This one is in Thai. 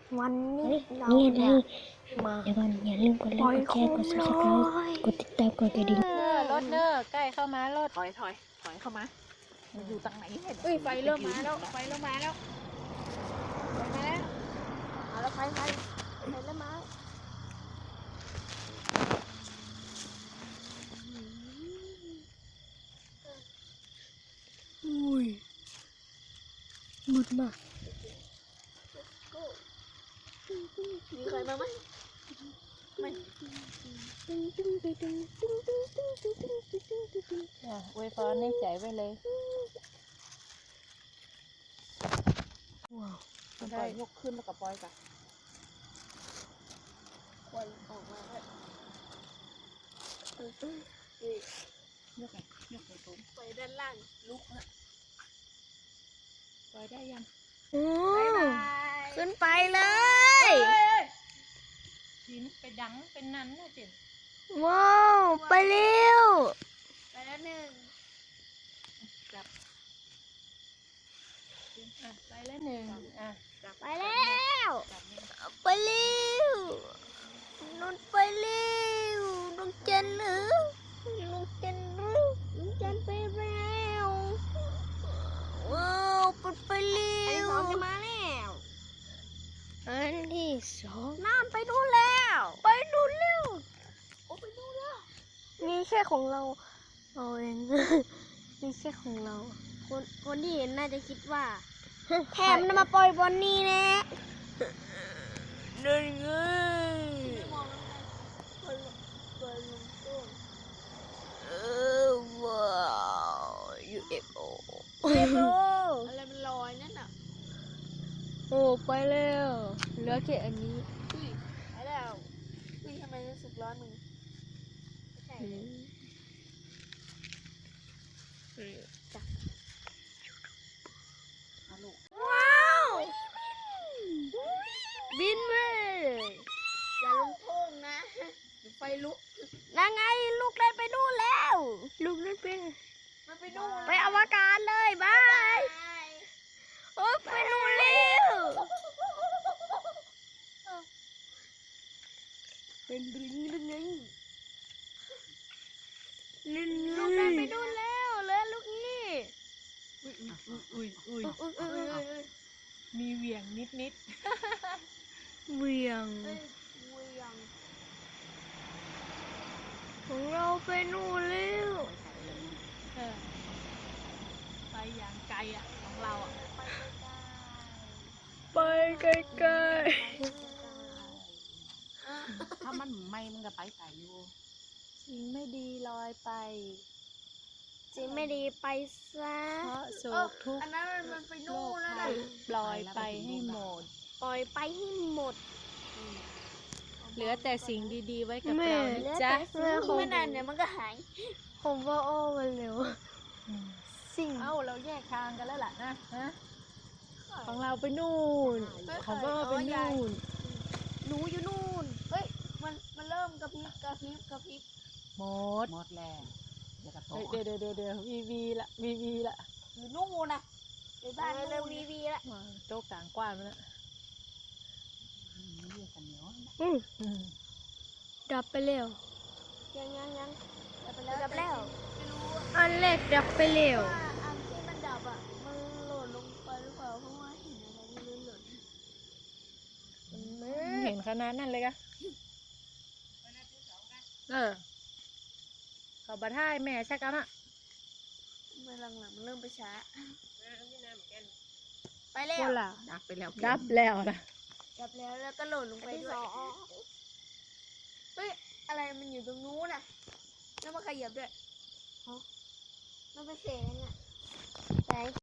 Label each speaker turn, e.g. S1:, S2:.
S1: วันนี้เรา
S2: นี่อะไร
S1: มา
S2: เดี๋ยวก่อนอย่าลืมกดไลค์กดแชร์กด subscribe กดติดตามกดกระดิ่ง
S3: รถเนอใกล้เข้ามารถ
S4: ถอยเข้ามามันอยู่ตรงไหนเห็น
S3: ไฟเริ่มมาแล้วไฟเริ่มมาแล้วไฟมาแล้ว
S1: เอาแล้วไฟแล้วมาอุ้ยมืดมากมีใครมาไหมไม่
S3: อวยพรให้ใจไว้เลย
S1: ว้าว
S4: ได้ยกขึ้นแล้วก็ปล่อยกัน
S1: ควันออกมาแล้ว
S4: ยกไงยกไปตรง
S1: ไปด้านล่าง
S4: ลุกนะปล่อยได้ยัง
S1: โอ้ขึ้นไปเลย
S3: หินไปดังเป็นนั้นนะเจน
S1: ว้าวไปเร็วไปแล้วหนึ่ง
S3: ไปแล้วหนึ่ง
S1: ไปแล้วไปเร็วนุ่นไปเร็วน้องเจนหรือน้องเจนหรือน้องเจนไปแล้วว้าวไปเร็วอันที่สองจะมาแล้วอันที่สองน้ำไปนู่นแล้วไปนู่นแล้วโอ้ไปนู่นแล้วมีแค่ของเราเอาเอง มีแค่ของเราคนที่เห็นน่าจะคิดว่าแถมนำมาปล่อยบนนี้แน่นั่นไงว้าว UFO อะไรมันลอยนั่นน่ะโอ้ไปแล้วเหลือแค่อันนี้ไปแล้วนี่ทำไมรู้สึกร้อนมึงใช่จ้ะว้าวบินเลยอย่าลงโทษนะไฟลุกนั่นไงลูกได้ไปนู่นแล้วลูกได้ไปมันไปนู่นไปอวกาศเลยบายโอ้ไปนู่นเร็วเป็นดึงดึงไงลูกได้ไปนู่นแล้วเหลือลูกนี่
S3: อุ้ยมีเหวี่ยงนิด
S1: เวียงของเราไปนู่นแล้ว
S3: ไปอย่างไกลของเรา
S1: ไปไกล
S4: ถ้ามันไม่มันก็ไปไก่อยู่
S3: สิ่งไม่ดีลอยไป
S1: ๆสิ่งไม่ดีไปซะ
S3: เพราะโศกทุกข์
S1: อันนั้นมันไปนู่นแล้วนะ
S3: ปล่อยไปให้หมด
S1: ปล่อยไปให้หมด
S3: เหลือแต่สิ่งดีๆไว้กับเรานะจ๊ะ
S1: ไม่นานเดี๋ยวมันก็หายผมว่าอ้อมันเร็วสิ่ง
S3: เอ้าเราแยกทางกันแล้วล่ะนะฮะของเราไปนู่นของพ่อไปนู่น
S1: หนูอยู่นู่นเฮ้ยมันเริ่มกระพริบ
S3: หมด
S4: หมดแล้วเดี๋ยวกระโต
S3: เดี๋ยววีละ
S1: อยู่นู่นนะในบ้านเริ่มวีละ
S3: โจ๊กกลางกว้านมาแล้ว
S4: เรียกกันเหนียว
S1: ดับไปแล้วยังดับแล้วอันแรกดับไปแล้วอันที่มันดับมันหล่นลงไปหรือเปล่าเพราะว่าเห็นอะไรไม่รู้หล่น
S3: เห็นขนาดนั้นเลยกะเขาบัดท้ายแม่ชักกันอะ
S1: เมื่อหลังมันเริ่มไปช้าไปแล้ว
S3: คนละ
S4: ดับไปแล้ว
S3: ดับแล้วนะ
S1: ดับแล้วก็หล่นลงไปด้วยเฮ้ยอะไรมันอยู่ตรงนู้นน่ะแล้วมาขยับด้วยมันไปเสียงอ่ะ